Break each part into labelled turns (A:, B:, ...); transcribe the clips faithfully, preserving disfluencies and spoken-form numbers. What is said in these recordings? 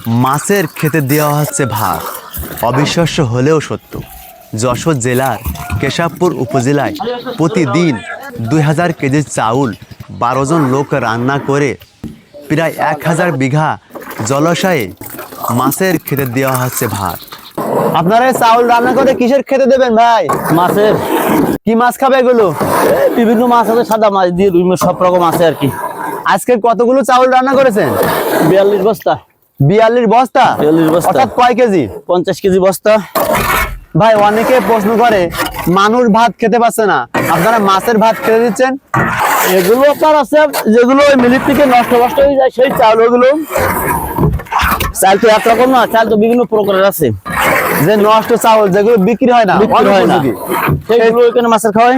A: মাছের খেতে দেওয়া হচ্ছে ভাত। অবিশ্বাস্য হলেও সত্য, যশোর জেলার কেশবপুর উপজেলায় প্রতিদিন দুই হাজার কেজি চাউল বারো জন লোক রান্না করে প্রায় এক হাজার বিঘা জলাশয়ে মাছের খেতে দেওয়া হচ্ছে ভাত। আপনারা চাউল রান্না করে কিসের খেতে দেবেন ভাই?
B: মাছের।
A: কি মাছ খাবে এগুলো?
B: বিভিন্ন মাছ আছে, সাদা মাছ দিয়ে রুই মাছ, সব রকম আছে আর কি।
A: আজকে কতগুলো চাউল রান্না করেছেন?
B: বিয়াল্লিশ বস্তা।
A: বিয়াল্লিশ বস্তা?
B: বিয়াল্লিশ বস্তা।
A: অর্থাৎ কয় কেজি?
B: পঞ্চাশ কেজি বস্তা।
A: ভাই অনেকে প্রশ্ন করে মানুষ ভাত খেতে পাচ্ছে না, আপনারা মাছের ভাত খেতে দিচ্ছেন।
B: এগুলো আপনার আছে যেগুলো ওই মিলির থেকে নষ্ট নষ্ট হয়ে যায় সেই চাউল। ওগুলো চাল তো একরকম না, চাল তো বিভিন্ন প্রকারের আছে।
A: যে নষ্ট চাউল যেগুলো বিক্রি হয় না,
B: বিক্রি হয় না,
A: অনুপযোগী,
B: সেইগুলো এখানে মাছের খাওয়ায়।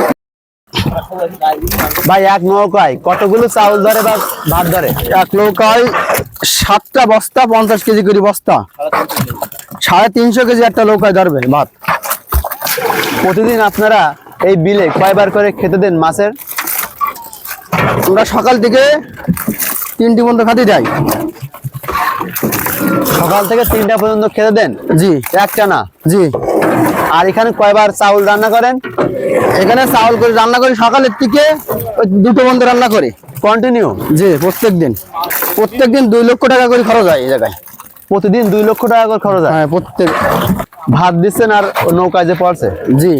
A: ভাই এক নৌকায় কতগুলো চাউল ধরে বা ভাত ধরে?
B: এক নৌকায় সাতটা বস্তা, পঞ্চাশ কেজি করে বস্তা, সাড়ে তিনশো কেজি একটা নৌকায় ধরবে ভাত।
A: প্রতিদিন আপনারা এই বিলে কয়বার করে খেতে দেন মাছের?
B: আমরা সকাল থেকে তিনটি পর্যন্ত খাতে যাই।
A: সকাল থেকে তিনটা পর্যন্ত খেতে দেন?
B: জি।
A: একটা না?
B: জি।
A: আর এখানে কয়বার চাউল রান্না করেন?
B: এখানে চাউল করে রান্না করি সকালের থেকে ওই দুটো পর্যন্ত রান্না করি
A: কন্টিনিউ?
B: জি, প্রত্যেক দিন। প্রত্যেক দিন দুই লক্ষ টাকা করে খরচ হয় এই জায়গায়।
A: প্রতিদিন দুই লক্ষ টাকা করে খরচ হয়?
B: হ্যাঁ, প্রত্যেক।
A: ভাত দিচ্ছেন আর নৌকায় যে পড়ছে?
B: জি।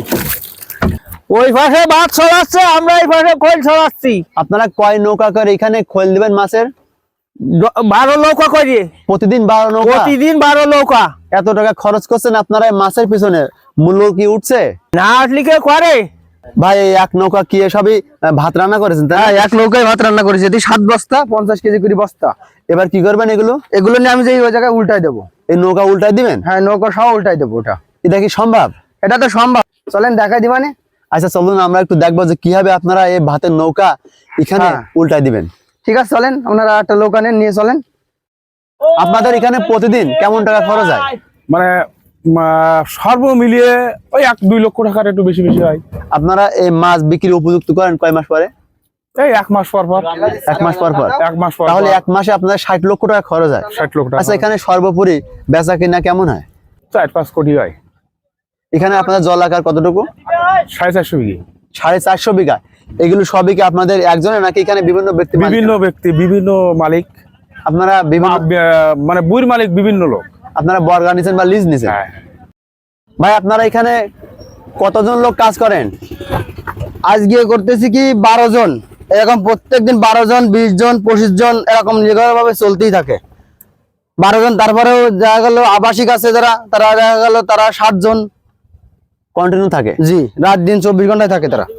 B: ওই পাশে ভাত ছড়াচ্ছে, আমরা এই পাশে খোল ছড়াচ্ছি।
A: আপনারা কয় নৌকা করে এখানে খোল দিবেন মাছের?
B: বারো নৌকা করি
A: প্রতিদিন বারো নৌকা?
B: প্রতিদিন বারো নৌকা।
A: এত টাকা খরচ করছেন আপনারা এই মাছের পিছনে, মূল্য কি উঠছে?
B: না আসলে কে করে
A: ভাই এই এক নৌকা কি সবই ভাত রান্না করেছেন?
B: হ্যাঁ, এক নৌকায় ভাত রান্না করেছি। এটি সাত বস্তা, পঞ্চাশ কেজি করে বস্তা।
A: এবার কি করবেন এগুলো?
B: এগুলো নিয়ে আমি যে ওই জায়গায় উল্টাই দেবো।
A: এই নৌকা উল্টাই দিবেন?
B: হ্যাঁ, নৌকা সহ উল্টাই দেবো। ওটা
A: এটা কি সম্ভব?
B: এটা তো সম্ভব, চলেন দেখাই দিবানে।
A: আচ্ছা চলুন আমরা একটু দেখবো যে কিভাবে আপনারা এই ভাতের নৌকা এখানে উল্টাই দিবেন।
B: ঠিক আছে, চলেন আপনারা একটা নৌকা নেন, নিয়ে চলেন।
A: আপনাদের এখানে প্রতিদিন কেমন টাকা খরচ হয়?
C: মানে সর্ব মিলিয়ে ওই এক দুই লক্ষ টাকার একটু বেশি বেশি হয়।
A: আপনারা এই মাছ বিক্রি উপযুক্ত করেন কয় মাস পরে?
C: এই এক মাস পর পর।
A: এক মাস পর পর?
C: এক মাস পর।
A: তাহলে এক মাসে আপনাদের ষাট লক্ষ টাকা খরচ হয়?
C: ষাট লক্ষ টাকা।
A: আচ্ছা এখানে সর্বোপরি বেচা কিনা কেমন হয়?
C: চার পাঁচ কোটি হয়।
A: এখানে আপনাদের জল আকার কতটুকু?
C: সাড়ে চারশো বিঘি।
A: সাড়ে চারশো বিঘা। এগুলো সবই কি আপনাদের একজনের নাকি এখানে বিভিন্ন ব্যক্তি?
C: বিভিন্ন ব্যক্তি, বিভিন্ন মালিক।
A: আপনারা বিভিন্ন
C: মানে বুইর মালিক বিভিন্ন লোক।
A: আপনারা বর্গা নিছেন বা লিজ নিছেন? ভাই আপনারা এখানে কতজন লোক কাজ করেন?
B: আজকে করতেছি কি বারো জন। এরকম প্রত্যেকদিন বারো জন, বিশ জন, পঁচিশ জন এরকম ভাবে চলতেই থাকে। বারো জন। তারপরেও দেখা গেল আবাসিক আছে যারা, তারা দেখা গেল তারা সাত জন
A: কন্টিনিউ থাকে?
B: জি, রাত দিন চব্বিশ ঘন্টায় থাকে তারা।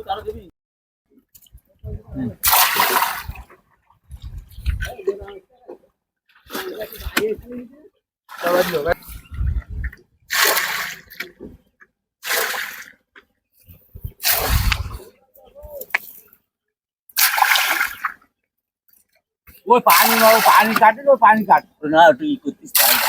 D: वो पानी वो पानी काटे तो पानी काट ना तो ये कुछ